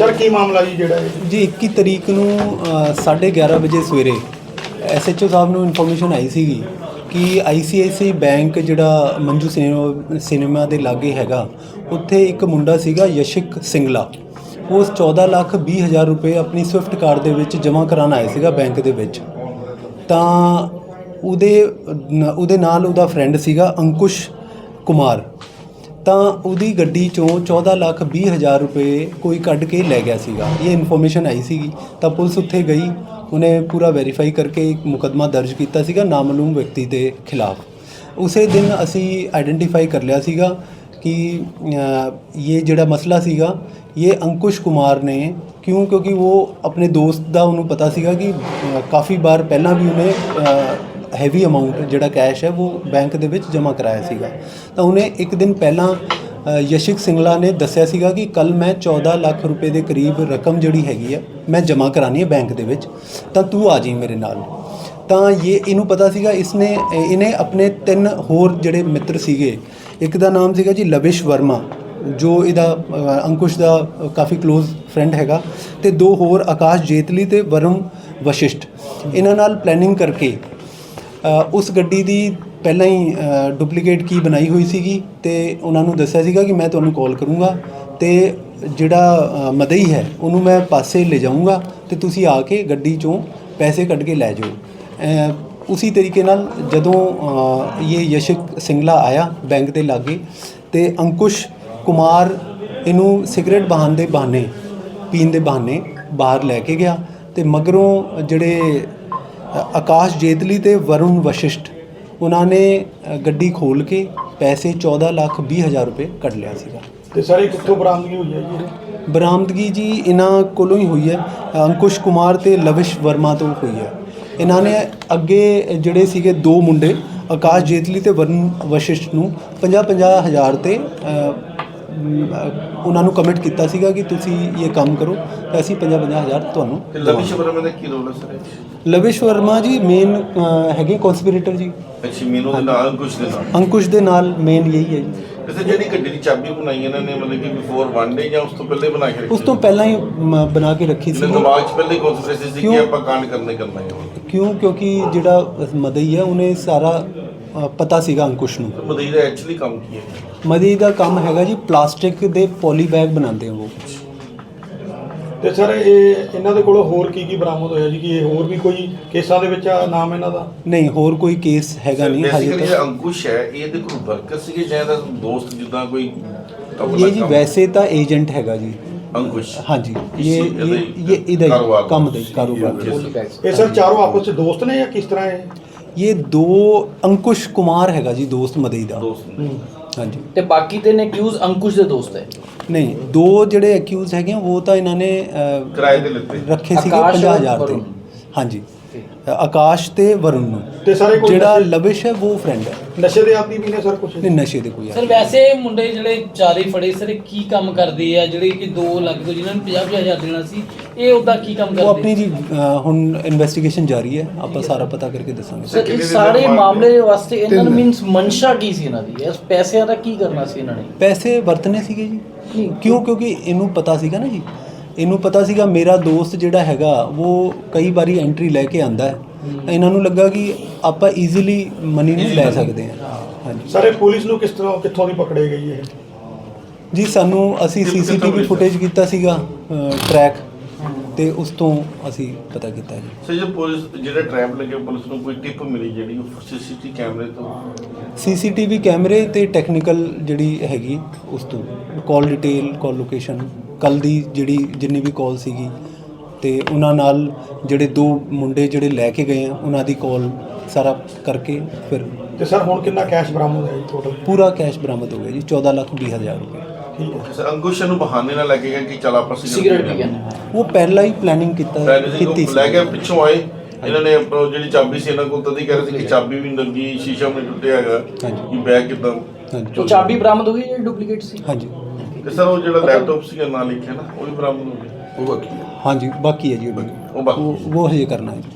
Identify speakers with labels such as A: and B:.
A: Sir की मामला जी ਜਿਹੜਾ
B: ਜੀ 21 ਤਰੀਕ ਨੂੰ 11:30 ਵਜੇ ਸਵੇਰੇ SHO ਸਾਹਿਬ ਨੂੰ ਇਨਫੋਰਮੇਸ਼ਨ ਆਈ ਸੀਗੀ ਕਿ ICICI ਬੈਂਕ ਜਿਹੜਾ ਮੰਜੂ ਸਿਨੇਮਾ ਦੇ ਲਾਗੇ ਹੈਗਾ, ਉੱਥੇ ਇੱਕ ਮੁੰਡਾ ਸੀਗਾ ਯਸ਼ਿਕ ਸਿੰਗਲਾ। ਉਸ 14,20,000 ਰੁਪਏ ਆਪਣੀ ਸਵਿਫਟ ਕਾਰ ਦੇ ਵਿੱਚ ਜਮ੍ਹਾਂ ਕਰਾਉਣ ਆਇਆ ਸੀਗਾ ਬੈਂਕ ਦੇ ਵਿੱਚ। ਤਾਂ ਉਹਦੇ ਨਾਲ ਉਹਦਾ ਫਰੈਂਡ ਸੀਗਾ ਅੰਕੁਸ਼ ਕੁਮਾਰ। ਤਾਂ ਉਹਦੀ ਗੱਡੀ ਚੋਂ 14,20,000 ਰੁਪਏ ਕੋਈ ਕੱਢ ਕੇ ਲੈ ਗਿਆ ਸੀਗਾ। ਇਹ ਇਨਫੋਰਮੇਸ਼ਨ ਆਈ ਸੀਗੀ ਤਾਂ ਪੁਲਿਸ ਉੱਥੇ ਗਈ, ਉਹਨੇ ਪੂਰਾ ਵੈਰੀਫਾਈ ਕਰਕੇ ਇੱਕ ਮੁਕੱਦਮਾ ਦਰਜ ਕੀਤਾ ਸੀਗਾ ਨਾਮਾਲੂਮ ਵਿਅਕਤੀ ਦੇ ਖਿਲਾਫ। ਉਸੇ ਦਿਨ ਅਸੀਂ ਆਈਡੈਂਟੀਫਾਈ ਕਰ ਲਿਆ ਸੀਗਾ ਕਿ ਇਹ ਜਿਹੜਾ ਮਸਲਾ ਸੀਗਾ ਇਹ ਅੰਕੁਸ਼ ਕੁਮਾਰ ਨੇ ਕਿਉਂਕਿ ਉਹ ਆਪਣੇ ਦੋਸਤ ਦਾ ਉਹਨੂੰ ਪਤਾ ਸੀਗਾ ਕਿ ਕਾਫੀ ਵਾਰ ਪਹਿਲਾਂ ਵੀ ਉਹਨੇ ਹੈਵੀ ਅਮਾਊਂਟ ਜਿਹੜਾ ਕੈਸ਼ ਹੈ ਉਹ ਬੈਂਕ ਦੇ ਵਿੱਚ ਜਮ੍ਹਾਂ ਕਰਾਇਆ ਸੀਗਾ। ਤਾਂ ਉਹਨੇ ਇੱਕ ਦਿਨ ਪਹਿਲਾਂ ਯਸ਼ਿਕ ਸਿੰਗਲਾ ਨੇ ਦੱਸਿਆ ਸੀਗਾ ਕਿ ਕੱਲ੍ਹ ਮੈਂ 14 ਲੱਖ ਰੁਪਏ ਦੇ ਕਰੀਬ ਰਕਮ ਜਿਹੜੀ ਹੈਗੀ ਹੈ ਮੈਂ ਜਮ੍ਹਾਂ ਕਰਾਉਣੀ ਹੈ ਬੈਂਕ ਦੇ ਵਿੱਚ, ਤਾਂ ਤੂੰ ਆ ਜਾਈਂ ਮੇਰੇ ਨਾਲ। ਤਾਂ ਇਹਨੂੰ ਪਤਾ ਸੀਗਾ। ਇਹਨੇ ਆਪਣੇ 3 ਹੋਰ ਜਿਹੜੇ ਮਿੱਤਰ ਸੀਗੇ, ਇੱਕ ਦਾ ਨਾਮ ਸੀਗਾ ਜੀ ਲਵਿਸ਼ ਵਰਮਾ ਜੋ ਇਹਦਾ ਅੰਕੁਸ਼ ਦਾ ਕਾਫੀ ਕਲੋਜ਼ ਫਰੈਂਡ ਹੈਗਾ, ਅਤੇ 2 ਹੋਰ ਆਕਾਸ਼ ਜੇਤਲੀ ਅਤੇ ਵਰੁਣ ਵਸ਼ਿਸ਼ਟ। ਇਹਨਾਂ ਨਾਲ ਪਲੈਨਿੰਗ ਕਰਕੇ ਉਸ ਗੱਡੀ ਦੀ ਪਹਿਲਾਂ ਹੀ ਡੁਪਲੀਕੇਟ ਕੀ ਬਣਾਈ ਹੋਈ ਸੀਗੀ ਅਤੇ ਉਹਨਾਂ ਨੂੰ ਦੱਸਿਆ ਸੀਗਾ ਕਿ ਮੈਂ ਤੁਹਾਨੂੰ ਕਾਲ ਕਰੂੰਗਾ ਅਤੇ ਜਿਹੜਾ ਮਦਈ ਹੈ ਉਹਨੂੰ ਮੈਂ ਪਾਸੇ ਲੈ ਜਾਊਂਗਾ ਅਤੇ ਤੁਸੀਂ ਆ ਕੇ ਗੱਡੀ ਚੋਂ ਪੈਸੇ ਕੱਢ ਕੇ ਲੈ ਜਾਓ। ਉਸੀ ਤਰੀਕੇ ਨਾਲ ਜਦੋਂ ਇਹ ਯਸ਼ਿਕ ਸਿੰਗਲਾ ਆਇਆ ਬੈਂਕ ਦੇ ਲਾਗੇ ਅਤੇ ਅੰਕੁਸ਼ ਕੁਮਾਰ ਇਹਨੂੰ ਸਿਗਰਟ ਪੀਣ ਦੇ ਬਹਾਨੇ ਬਾਹਰ ਲੈ ਕੇ ਗਿਆ ਅਤੇ ਮਗਰੋਂ ਜਿਹੜੇ ਆਕਾਸ਼ ਜੇਤਲੀ ਅਤੇ ਵਰੁਣ ਵਸ਼ਿਸ਼ਟ ਉਹਨਾਂ ਨੇ ਗੱਡੀ ਖੋਲ੍ਹ ਕੇ ਪੈਸੇ 14,20,000 ਰੁਪਏ ਕੱਢ ਲਿਆ ਸੀਗਾ।
A: ਤੇ ਸਰ ਇਹ ਕਿੱਥੋਂ ਬਰਾਮਦਗੀ ਹੋਈ ਹੈ ਜੀ?
B: ਬਰਾਮਦਗੀ ਜੀ ਇਹਨਾਂ ਕੋਲੋਂ ਹੀ ਹੋਈ ਹੈ, ਅੰਕੁਸ਼ ਕੁਮਾਰ ਅਤੇ ਲਵਿਸ਼ ਵਰਮਾ ਤੋਂ ਹੋਈ ਹੈ। ਇਹਨਾਂ ਨੇ ਅੱਗੇ ਜਿਹੜੇ ਸੀਗੇ 2 ਮੁੰਡੇ ਆਕਾਸ਼ ਜੇਤਲੀ ਅਤੇ ਵਰੁਣ ਵਸ਼ਿਸ਼ਟ ਨੂੰ 50,000 ਤੇ ਉਹਨਾਂ ਨੂੰ ਕਮਿਟ ਕੀਤਾ ਸੀਗਾ ਕਿ ਤੁਸੀਂ ਇਹ ਕੰਮ ਕਰੋ ਤਾਂ ਅਸੀਂ 50,000 ਤੁਹਾਨੂੰ।
C: ਲਵਿਸ਼ ਵਰਮਾ ਦਾ ਕੀ ਰੋਲ ਹੈ ਸਰ?
B: ਲਵਿਸ਼ ਵਰਮਾ ਜੀ ਮੇਨ ਹੈਗੇ ਕੌਂਸਪੀਰੇਟਰ ਜੀ।
C: ਅੱਛਾ, ਮੈਨੂੰ ਦੇ ਨਾਲ
B: ਅੰਕੁਸ਼ ਦੇ ਨਾਲ ਮੇਨ ਇਹੀ ਹੈ ਜੀ।
C: ਵੈਸੇ ਜਿਹੜੀ ਗੱਡੀ ਦੀ ਚਾਬੀ ਬਣਾਈ ਇਹਨਾਂ ਨੇ ਮਤਲਬ ਕਿ ਬਿਫੋਰ 1 ਡੇ ਜਾਂ ਉਸ ਤੋਂ ਪਹਿਲੇ ਬਣਾ ਕੇ ਰੱਖੀ?
B: ਉਸ ਤੋਂ ਪਹਿਲਾਂ ਹੀ ਬਣਾ ਕੇ ਰੱਖੀ ਸੀ।
C: ਦਿਮਾਗ 'ਚ ਪਹਿਲੇ ਕੌਨਸੈਪਟ ਸੀ ਕਿ ਆਪਾਂ ਕਾਂਡ ਕਰਨਾ ਹੈ।
B: ਕਿਉਂਕਿ ਜਿਹੜਾ ਮਦਈ ਹੈ ਉਹਨੇ ਸਾਰਾ ਪਤਾ ਸੀਗਾ ਅੰਕੁਸ਼ ਨੂੰ।
C: ਮਦਈ ਦਾ ਐਕਚੁਅਲੀ ਕੰਮ ਕੀ ਹੈ?
B: ਮਦਈ ਦਾ ਕੰਮ ਹੈਗਾ ਜੀ ਪਲਾਸਟਿਕ ਦੇ ਪੋਲੀ ਬੈਗ ਬਣਾਉਂਦੇ ਆ ਉਹ।
A: ਤੇ ਸਰ ਇਹਨਾਂ ਦੇ ਕੋਲੋਂ ਹੋਰ ਕੀ ਬਰਾਮਦ ਹੋਇਆ ਜੀ ਕਿ ਇਹ ਹੋਰ ਵੀ ਕੋਈ ਕੇਸਾਂ ਦੇ ਵਿੱਚ ਨਾਮ ਇਹਨਾਂ ਦਾ?
B: ਨਹੀਂ, ਹੋਰ ਕੋਈ ਕੇਸ ਹੈਗਾ ਨਹੀਂ ਹਾਲੇ ਤੱਕ।
C: ਅੰਕੁਸ਼ ਹੈ ਇਹਦੇ ਕੋਲ ਵਰਕਰ ਸੀਗੇ ਜਾਂ ਇਹਦਾ ਦੋਸਤ ਜਿੱਦਾਂ ਕੋਈ?
B: ਇਹ ਜੀ ਵੈਸੇ ਤਾਂ ਏਜੰਟ ਹੈਗਾ ਜੀ
C: ਅੰਕੁਸ਼।
B: ਹਾਂਜੀ, ਇਹ ਇਹਦਾ ਹੀ ਕੰਮ ਦਾ ਕਾਰੋਬਾਰ।
A: ਇਹ ਸਰ ਚਾਰੋਂ ਆਪਸ ਵਿੱਚ ਦੋਸਤ ਨੇ ਜਾਂ ਕਿਸ ਤਰ੍ਹਾਂ ਹੈ?
B: ਇਹ 2 ਅੰਕੁਸ਼ ਕੁਮਾਰ ਹੈਗਾ ਜੀ ਦੋਸਤ ਮਦਈ ਦਾ। ਹਾਂਜੀ।
D: ਤੇ ਬਾਕੀ 3 ਅਕਿਊਜ਼ ਅੰਕੁਸ਼ ਦੇ ਦੋਸਤ ਹੈ?
B: ਨਹੀਂ, 2 ਜਿਹੜੇ ਅਕਿਊਜ਼ ਹੈਗੇ ਉਹ ਤਾਂ ਇਹਨਾਂ ਨੇ
C: ਕਿਰਾਏ ਤੇ ਲਿੱਤੇ
B: ਰੱਖੇ ਸੀਗੇ 50,000 ਤੇ। ਹਾਂਜੀ, ਆਕਾਸ਼ ਤੇ ਵਰੁਣ ਨੂੰ।
A: ਤੇ ਸਾਰੇ
B: ਜਿਹੜਾ ਲਵਿਸ਼ ਹੈ ਉਹ ਫਰੈਂਡ ਹੈ।
A: ਨਸ਼ੇ ਦੇ ਆਦੀ ਵੀ ਨੇ ਸਰ ਕੁਝ?
B: ਨਹੀਂ, ਨਸ਼ੇ ਦੇ ਕੋਈ
D: ਸਰ ਵੈਸੇ ਮੁੰਡੇ ਜਿਹੜੇ 4 ਫੜੇ ਸਰ ਕੀ ਕੰਮ ਕਰਦੇ ਆ ਜਿਹੜੇ ਕਿ 2 ਲੱਖ ਤੋਂ ਜਿਨ੍ਹਾਂ ਨੂੰ 50,000 ਦੇਣਾ ਸੀ, ਇਹ ਉਹਦਾ ਕੀ ਕੰਮ ਕਰਦੇ?
B: ਉਹ ਆਪਣੀ ਜੀ ਹੁਣ ਇਨਵੈਸਟੀਗੇਸ਼ਨ ਜਾਰੀ ਹੈ, ਆਪਾਂ ਸਾਰਾ ਪਤਾ ਕਰਕੇ ਦੱਸਾਂਗੇ।
D: ਸਰ ਇਸ ਸਾਰੇ ਮਾਮਲੇ ਵਾਸਤੇ ਇਹਨਾਂ ਨੂੰ ਮੀਨਸ ਮਨਸ਼ਾ ਕੀ ਸੀ ਇਹਨਾਂ ਦੀ? ਇਸ ਪੈਸਿਆਂ ਦਾ ਕੀ ਕਰਨਾ ਸੀ ਇਹਨਾਂ ਨੇ? ਪੈਸੇ
B: ਵਰਤਨੇ ਸੀਗੇ ਜੀ। ਕਿਉਂਕਿ ਇਹਨੂੰ ਪਤਾ ਸੀਗਾ ਨਾ ਜੀ, ਇਹਨੂੰ ਪਤਾ ਸੀਗਾ ਮੇਰਾ ਦੋਸਤ ਜਿਹੜਾ ਹੈਗਾ ਉਹ ਕਈ ਵਾਰੀ ਐਂਟਰੀ ਲੈ ਕੇ ਆਂਦਾ ਹੈ, ਤਾਂ ਇਹਨਾਂ ਨੂੰ ਲੱਗਾ ਕਿ ਆਪਾਂ ਈਜ਼ੀਲੀ ਮਨੀ ਨੂੰ ਲੈ ਸਕਦੇ ਹਾਂ। ਹਾਂਜੀ
A: ਸਰ ਇਹ ਪੁਲਿਸ ਨੂੰ ਕਿੱਥੋਂ ਦੀ ਪਕੜੇ ਗਈ ਹੈ
B: ਜੀ? ਅਸੀਂ CCTV ਫੁਟੇਜ ਕੀਤਾ ਸੀਗਾ ਟਰੈਕ, ਤੇ ਉਸ ਤੋਂ ਅਸੀਂ ਪਤਾ ਕੀਤਾ ਜੀ।
C: ਸਰ ਜੇ ਪੁਲਿਸ ਜਿਹੜਾ ਟਰੈਪ ਲੱਗੇ ਪੁਲਿਸ ਨੂੰ ਕੋਈ ਟਿਪ ਮਿਲੀ ਜਿਹੜੀ CCTV ਕੈਮਰੇ ਤੋਂ?
B: CCTV ਕੈਮਰੇ ਤੇ ਟੈਕਨੀਕਲ ਜਿਹੜੀ ਹੈਗੀ ਉਸ ਤੋਂ ਕਾਲ ਡਿਟੇਲ, ਕਾਲ ਲੋਕੇਸ਼ਨ, ਕੱਲ੍ਹ ਦੀ ਜਿੰਨੀ ਵੀ ਕਾਲ ਸੀਗੀ, ਅਤੇ ਉਹਨਾਂ ਨਾਲ ਜਿਹੜੇ 2 ਮੁੰਡੇ ਜਿਹੜੇ ਲੈ ਕੇ ਗਏ ਆ ਉਹਨਾਂ ਦੀ ਕਾਲ ਸਾਰਾ ਕਰਕੇ ਫਿਰ।
A: ਤੇ ਸਰ ਹੁਣ ਕਿੰਨਾ ਕੈਸ਼ ਬਰਾਮਦ ਹੋਇਆ ਜੀ ਟੋਟਲ?
B: ਪੂਰਾ ਕੈਸ਼ ਬਰਾਮਦ ਹੋ ਗਿਆ ਜੀ 14,20,000 ਰੁਪਏ।
A: ਠੀਕ ਹੈ
C: ਸਰ। ਅੰਕੁਸ਼ ਨੂੰ ਬਹਾਨੇ ਨਾਲ ਲੱਗੇਗਾ ਕਿ ਚਲ ਆਪਾਂ
D: ਸਿਗਰਟ ਪੀ ਗਏ,
B: ਉਹ ਪਹਿਲਾਂ ਹੀ ਪਲੈਨਿੰਗ ਕੀਤੀ ਸੀ।
C: ਲੈ ਕੇ ਪਿੱਛੋਂ ਆਏ ਇਹਨਾਂ ਨੇ ਜਿਹੜੀ ਚਾਬੀ ਸੀ ਇਹਨਾਂ ਕੋਲ ਤਦੀ ਕਹਿ ਰਹੇ ਸੀ ਕਿ ਚਾਬੀ ਵੀ ਲੱਗੀ, ਸ਼ੀਸ਼ਾ ਵੀ ਟੁੱਟਿਆ ਹੈਗਾ ਕਿ ਬੈਗ ਕਿੱਦਾਂ?
D: ਉਹ ਚਾਬੀ ਬਰਾਮਦ ਹੋ ਗਈ ਜਿਹੜੀ ਡੁਪਲੀਕੇਟ ਸੀ?
B: ਹਾਂਜੀ।
C: ਤੇ ਸਰ ਉਹ ਜਿਹੜਾ ਲੈਪਟਾਪ ਸੀਗਾ ਨਾਲ ਲਿਖਿਆ ਨਾ ਉਹ ਵੀ ਬਰਾਮਦ ਹੋ ਗਿਆ? ਉਹ ਬਾਕੀ ਹੈ?
B: ਹਾਂਜੀ, ਬਾਕੀ ਹੈ ਜੀ ਉਹ ਹਜੇ ਕਰਨਾ ਹੈ।